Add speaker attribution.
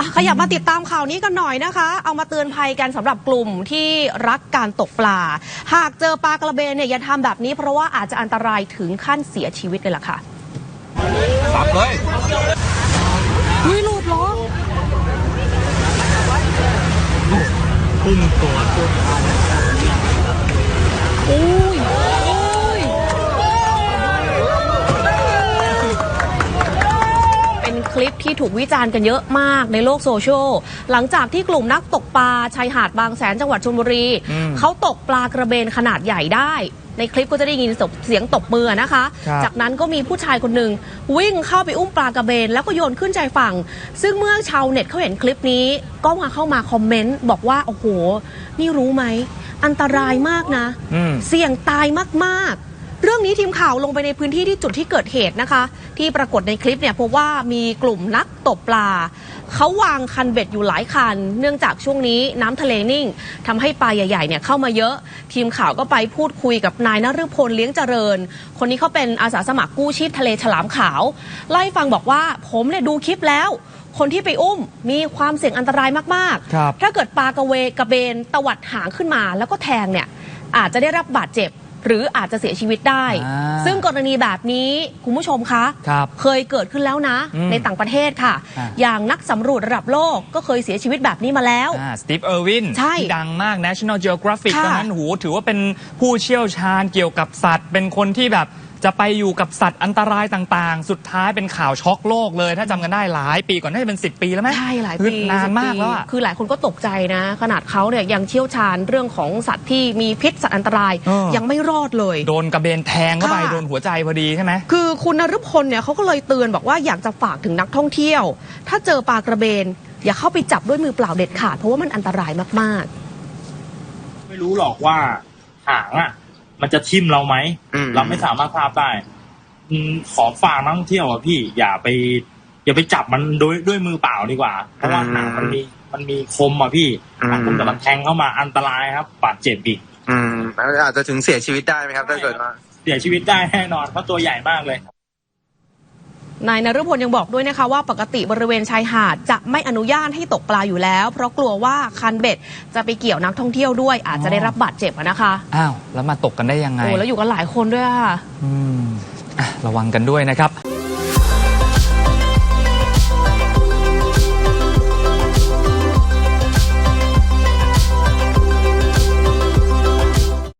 Speaker 1: ขยับมาติดตามข่าวนี้กันหน่อยนะคะ เอามาเตือนภัยกันสำหรับกลุ่มที่รักการตกปลาหากเจอปลากระเบนเนี่ยอย่าทำแบบนี้เพราะว่าอาจจะอันตรายถึงขั้นเสียชีวิตเลยล่ะค่ะ
Speaker 2: สับเลย
Speaker 1: หลุดเหรอ
Speaker 2: พุ่งตัว
Speaker 1: เป็นคลิปที่ถูกวิจารณ์กันเยอะมากในโลกโซเชียลหลังจากที่กลุ่มนักตกปลาชายหาดบางแสนจังหวัดชลบุรีเขาตกปลากระเบนขนาดใหญ่ได้ในคลิปก็จะได้ยินเสียงตบมือนะคะจากนั้นก็มีผู้ชายคนหนึ่งวิ่งเข้าไปอุ้มปลากระเบนแล้วก็โยนขึ้นชายฝั่งซึ่งเมื่อชาวเน็ตเขาเห็นคลิปนี้ก็เข้ามาคอมเมนต์บอกว่าโอ้โหนี่รู้ไหมอันตรายมากนะเสี่ยงตายมากๆเรื่องนี้ทีมข่าวลงไปในพื้นที่ที่จุดที่เกิดเหตุนะคะที่ปรากฏในคลิปเนี่ยพบว่ามีกลุ่มนักตกปลาเขาวางคันเบ็ดอยู่หลายคันเนื่องจากช่วงนี้น้ำทะเลนิ่งทำให้ปลาใหญ่ๆเนี่ยเข้ามาเยอะทีมข่าวก็ไปพูดคุยกับนายนฤพลเลี้ยงเจริญคนนี้เขาเป็นอาสาสมัครกู้ชีพทะเลฉลามขาวไล่ฟังบอกว่าผมเนี่ยดูคลิปแล้วคนที่ไปอุ้มมีความเสี่ยงอันตรายมากๆถ้าเกิดปลากระเบนตวัดหางขึ้นมาแล้วก็แทงเนี่ยอาจจะได้รับบาดเจ็บหรืออาจจะเสียชีวิตได้ซึ่งกรณีแบบนี้คุณผู้ชมคะเคยเกิดขึ้นแล้วนะในต่างประเทศค่ะอย่างนักสำรวจระดับโลกก็เคยเสียชีวิตแบบนี้มาแล้ว
Speaker 2: สตีฟ เออร์วินที่ดังมาก National Geographic ตอนนั้นถือว่าเป็นผู้เชี่ยวชาญเกี่ยวกับสัตว์เป็นคนที่แบบจะไปอยู่กับสัตว์อันตรายต่างๆสุดท้ายเป็นข่าวช็อกโลกเลยถ้าจำกันได้หลายปีก่อนน่าจะเป็น10 ปีแล้วไหม
Speaker 1: ใช่หลายปี
Speaker 2: นานมากแล้ว
Speaker 1: คือหลายคนก็ตกใจนะขนาดเขาเนี่ยยังเชี่ยวชาญเรื่องของสัตว์ที่มีพิษสัตว์อันตรายยังไม่รอดเลย
Speaker 2: โดนกระเบนแทงเข้าไปโดนหัวใจพอดีใช่ไหม
Speaker 1: คือคุณนฤพลเนี่ยเขาก็เลยเตือนบอกว่าอยากจะฝากถึงนักท่องเที่ยวถ้าเจอปลากระเบนอย่าเข้าไปจับด้วยมือเปล่าเด็ดขาดเพราะว่ามันอันตรายมาก
Speaker 3: ๆไม่รู้หรอกว่าหางอ่ะมันจะทิ่มเราไหมเราไม่สามารถทราบได้ขอฝากนักท่องเที่ยวอ่ะพี่อย่าไปจับมันด้วยมือเปล่าดีกว่าเพราะว่าหางมันมีคมอ่ะพี่หางคมแต่มันแทงเข้ามาอันตรายครับบาดเจ็บอีก
Speaker 4: อาจจะถึงเสียชีวิตได้ไหมครับถ้าเกิดว่า
Speaker 3: เสียชีวิตได้แน่นอนเพราะตัวใหญ่มากเลย
Speaker 1: นายนฤพลยังบอกด้วยนะคะว่าปกติบริเวณชายหาดจะไม่อนุญาตให้ตกปลาอยู่แล้วเพราะกลัวว่าคันเบ็ดจะไปเกี่ยวนักท่องเที่ยวด้วยอาจจะได้รับบาดเจ็บนะคะ
Speaker 2: อ้าวแล้วมาตกกันได้ยังไง
Speaker 1: แล้วอยู่กันหลายคนด้วยค่ะ
Speaker 2: ระวังกันด้วยนะครับ